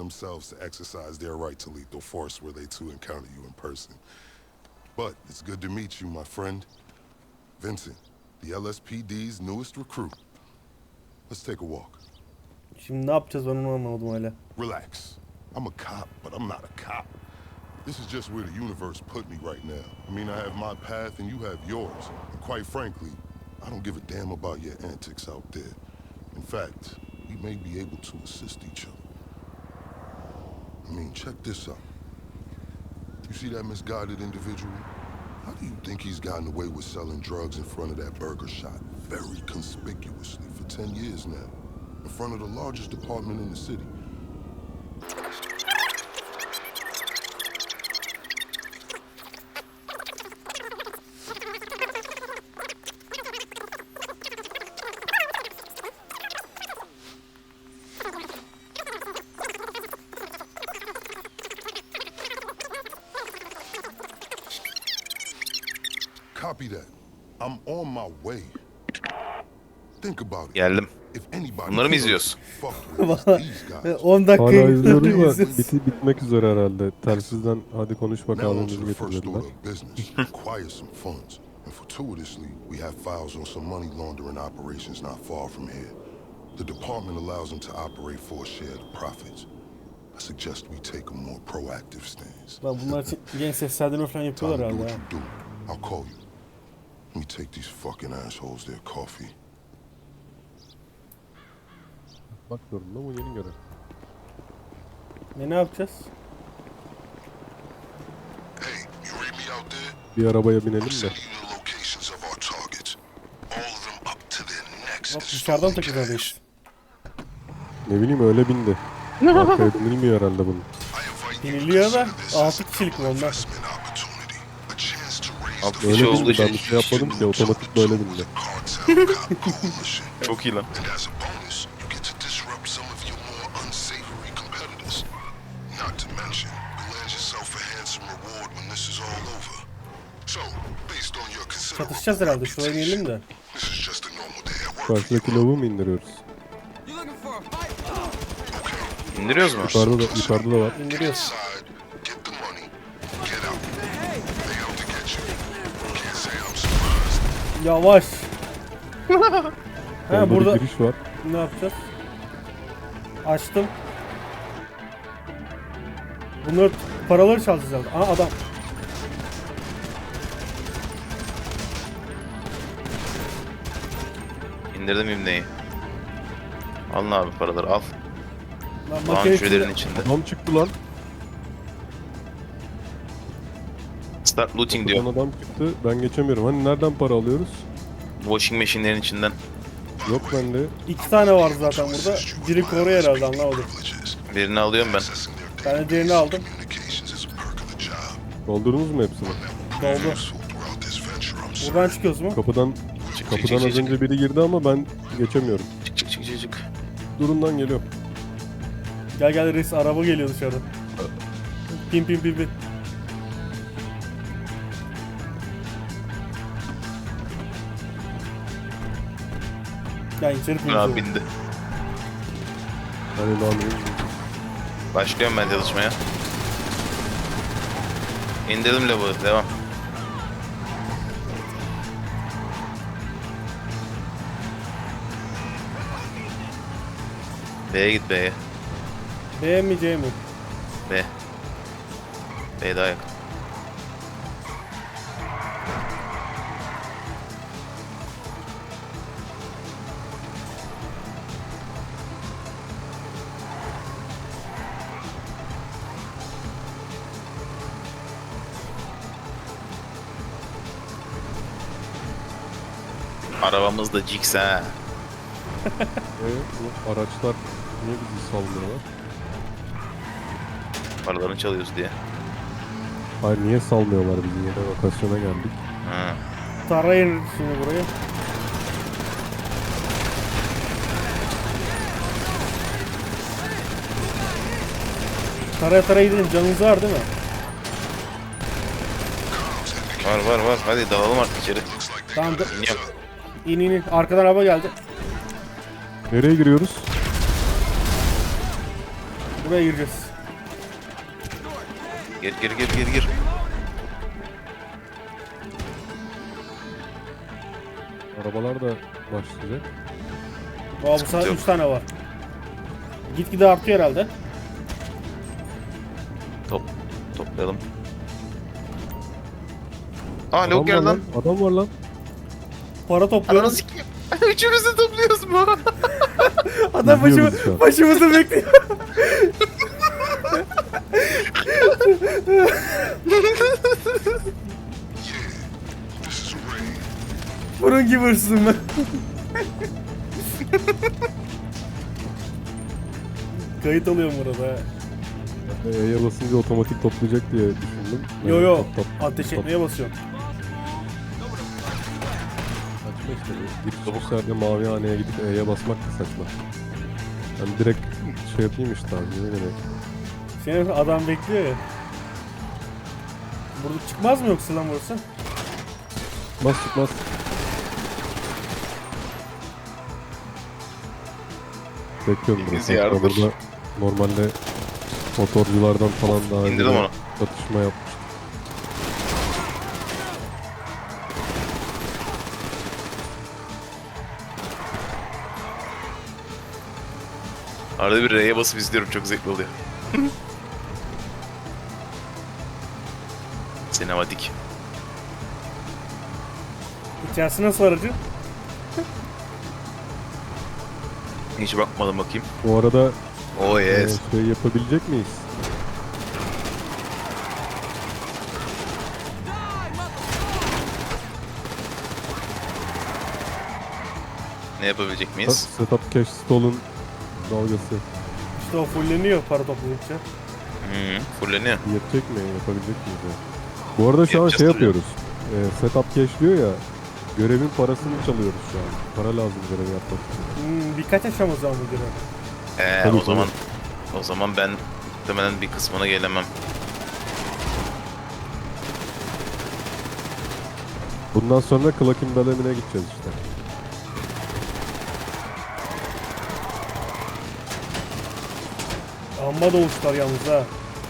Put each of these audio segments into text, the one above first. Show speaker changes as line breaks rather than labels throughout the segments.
themselves to exercise their right to lethal force were they to encounter you in person. But it's good to meet you, my friend. Vincent, the LSPD's newest recruit. Let's take a walk.
Şimdi ne yapacağız ben onu anlamadım hala.
Relax. I'm a cop, but I'm not a cop. This is just where the universe put me right now. I mean, I have my path and you have yours. And quite frankly, I don't give a damn about your antics out there. In fact, we may be able to assist each other. I mean, check this out. You see that misguided individual? How do you think he's gotten away with selling drugs in front of that burger shop very conspicuously for 10 years now? In front of the largest department in the city. Copy that. I'm on my way. Think about it.
Geldim.
If anybody
Bunları mı izliyoruz?
Valla
these guys.
10 dakika
Hala izliyoruz da
izliyoruz.
bitmek üzere herhalde. Telsizden hadi konuş
Now
bakalım
on to
bizi
the first
getirdiler.
order of business. Acquire some funds. And fortuitously, we have files on some money laundering operations not far from here. The department allows them to operate for a share of the profits. I suggest we take a more proactive stance.
Lan bunlar için genç seslendirme falan
Time
yapıyorlar
to do
herhalde
what
ha.
you do. I'll call you. Let me take these fucking assholes their coffee.
Bak zorunda bu yeni görev.
Ne yapacağız?
Hey, you read me out there?
Bir arabaya binelim
I'm
de.
sending you the locations of our targets. All of them up to their necks.
Bak
in
dışarıdan
stolen
takacağız
cash.
işte.
Ne bileyim öyle bindi. Arkaya binilmiyor herhalde bunun.
I invite you to
Biniliyor da
consider this
6
as
kişilik mi
an
onlar?
investment opportunity. A chance to raise
Alt
the
kişi
Öyle
olduğu
bindi ben
için
bir şey yapmadım ki otomatik böyle bindi.
cartel cop coalition.
Çok iyi lan.
And as a bonus, you get to disrupt some of your more unsavory competitors. Not to mention, you land yourself a handsome reward when this is all over. So, based on your considerable
Çatışacağız herhalde. Şuraya inelim de.
this is just a normal day at work.
Karşıdaki lavuğu mu indiriyoruz?
İndiriyoruz mu?
Yukarıda da var.
İndiriyoruz.
Inside, get the money, get out. They out to get you. Can't say I'm surprised.
Yavaş.
Orada
Ha burada
bir giriş var.
ne yapacağız? Açtım. Bunları paraları çalacağız herhalde. Aa adam.
İndirdim imleyi. Alın abi paraları al.
Lan
Lan
makine
şurelerin
içinde.
içinde.
Adam çıktı lan.
Start looting diyor.
Kapıdan adam çıktı. Ben geçemiyorum. Hani nereden para alıyoruz?
Washing machine'lerin içinden.
Yok bende.
2 tane var zaten burada. Biri koruyor herhalde anlamadım.
Birini alıyorum ben.
Accessing their
Ben de diğerini aldım.
communications is a perk of the job.
Doldurdunuz mu hepsini?
Doldu.
Useful throughout this venture, I'm certain.
Buradan çıkıyoruz mu?
Kapıdan
Çık
kapıdan az
çık çık
önce biri girdi ama ben geçemiyorum.
çık çık çık çık çık.
Durumdan geliyorum.
Gel gel reis araba geliyor dışarıdan. Pin pin pin pin. Gel içeri pin.
Abi bindi.
Hani lan
Başlıyorum ben çalışmaya. İndirdim lavuğu. Devam. B'ye git B'ye.
B mi C mi?
B. B daha yakın. Arabamız da Jix ha.
bu araçlar niye bizi salmıyorlar?
Paralarını çalıyoruz diye.
Hayır niye salmıyorlar bizi? Yine lokasyona geldik.
Ha.
Tarayın şimdi burayı. Taraya gidelim. Canınız var değil mi?
Var. Hadi dalalım artık içeri.
Tamam.
İniyorum.
İn. Arkadan araba geldi.
Nereye giriyoruz?
Buraya gireceğiz.
Gir.
Arabalar da başlayacak.
Aa, bu
Sıkıntı
sefer
yok.
3 tane var. Gitgide artıyor herhalde.
Toplayalım. Aa
Adam
lavuk
var
geldi lan.
lan. Adam var lan.
Para
Ananı
topluyoruz.
sikeyim. Üçümüz de topluyoruz mu?
Adam
İzliyoruz şu an.
başımızı bekliyor.
This is Ray.
Bunun gibi hırsızım ben. Kayıt alıyorum burada.
E'ye basınca otomatik toplayacak diye düşündüm.
Yo
Top,
ateş etmeye basıyorum.
Saçma işte bu. Giriş çıkışlarda mavi haneye gidip E'ye basmak da saçma. Ben direkt şey yapayım işte abi. Ne demek?
Senin adam bekliyor ya. Burada çıkmaz mı yoksa lan burası?
Çıkmaz. Bekliyorum
Biz
burası. Hatta
yardır.
burada normalde motorculardan falan daha
İndirdim
önce
onu.
çatışma yapmış.
Arada bir R'ye basıp izliyorum, çok zevkli oluyor. Sinematik.
İçerisi nasıl aracı?
Hiç bakmadım, bakayım.
Bu arada
Oh yes.
şey yapabilecek miyiz?
Ne yapabilecek miyiz?
Setup cache stall'un dalgası
İşte o fulleniyor para topladıkça.
Fulleniyor.
yetecek mi? Yapabilecek miyiz ya? Bu arada şu an
Yapacağız
şey
tabii.
yapıyoruz. Setup cache diyor ya. Görevin parasını çalıyoruz şu an. Para lazım görevi yapmak için.
Birkaç aşama zaman bu görev.
Tabii,
O zaman ben muhtemelen bir kısmına gelemem.
Bundan sonra Klakin Dalemine gideceğiz işte.
Amma doğuşlar yalnız ha.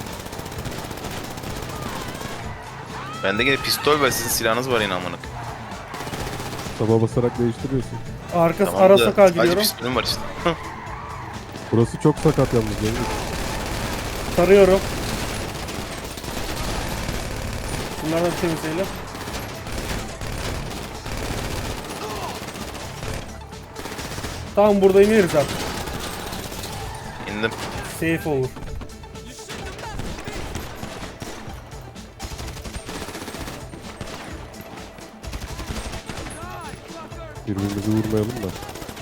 Bende yine pistol var, sizin silahınız var yine amına.
Taba basarak değiştiriyorsun.
Arkası
Tamam
ara
da
sokağa
sadece
gidiyorum.
pistolüm var işte.
Burası çok sakat yalnız. Cengiz.
Tarıyorum. Bunlardan bir temizleyelim. Tamam, burada ineriz artık.
İndim.
Safe olur.
Birbirimizi vurmayalım da.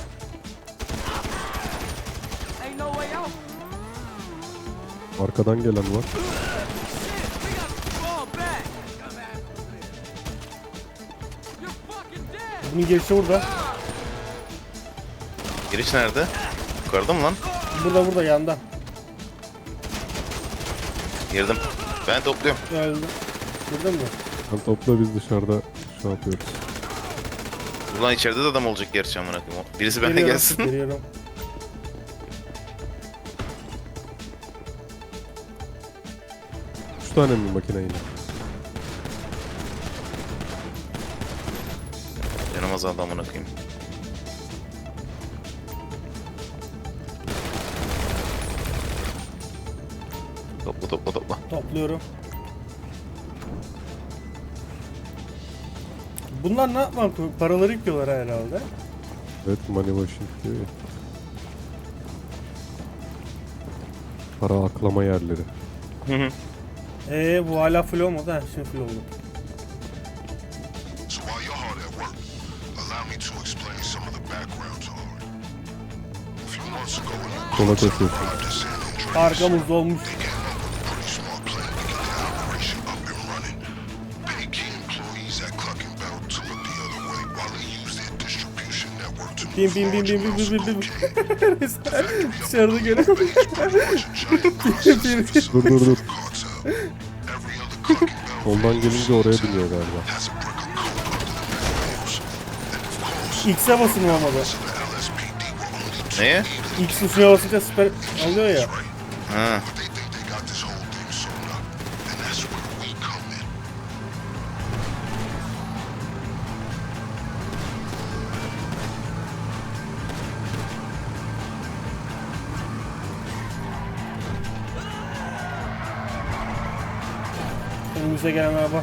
Arkadan gelen var.
Bunun girişi burada.
Giriş nerede? Yukarıda mı lan?
Burada yanda.
Girdim. Ben topluyorum.
Öldü. Gördün mü?
Sen topla, biz dışarıda şey yapıyoruz.
Ulan içeride de adam olacak gerçi amına koyayım. Birisi benimle
Geliyorum,
gelsin.
Geliyorum.
Üç tane mi makine yine?
Canım azaldı amına koyayım. Topla.
Topluyorum. Bunlar ne yapmak? Paraları yıkıyorlar herhalde.
Evet, money washing diyor ya. Para aklama yerleri.
Bu hala full olmadı. Ha, şimdi full oldu.
So while you're hard at work, allow me to explain some of the background to Hard. A few months ago when you
Sola koşuyorsun.
arrived at San Andreas,
Arkamızda olmuş.
they came up with a pretty smart plan to get the operation up and running. Pay key employees at Cluck and Bell to look the other way while they use their distribution network to
Bim
move
bim bim
large
bim bim
amounts
bim
of
bim.
cocaine.
Dışarıda göre.
Bay is pretty much a giant processing facility
Dur.
for the cartel. Every other Cluck and Bell
Soldan gelince oraya biniyor galiba.
has a brick of coke under the manholes. And of course,
X'e basın olmadı.
the LSPD were only
Neye?
X tuşuna basınca süper alıyor ya.
Ha.
But they think they got this whole thing sewn up. And that's where we come in.
Önümüze gelen araba.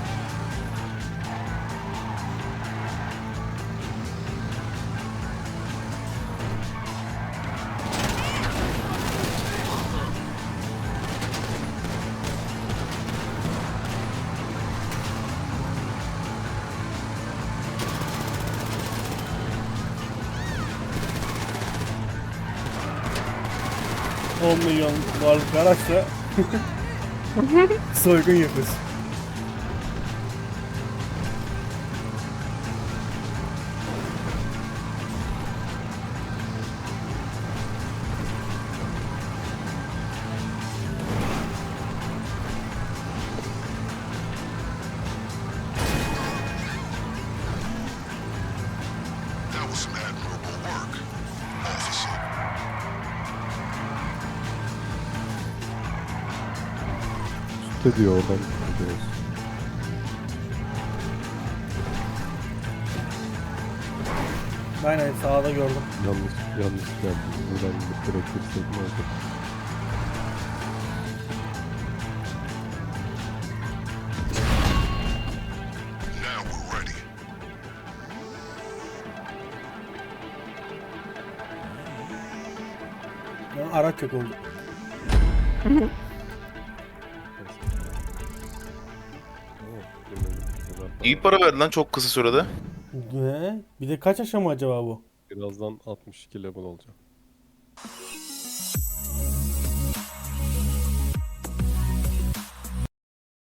$10 milyon varlık araçla soygun yapıyorsun.
That was some admirable work, officer.
Üstte diyor oradan gidiyoruz.
Aynen sağda gördüm.
Yanlış geldi. Buradan gidip direkt girsek ne olur?
Now we're ready.
Ya, araç yok oldu.
İyi para verdi lan çok kısa sürede.
Ne? Bir de kaç aşama acaba bu?
Birazdan 62 level olacak.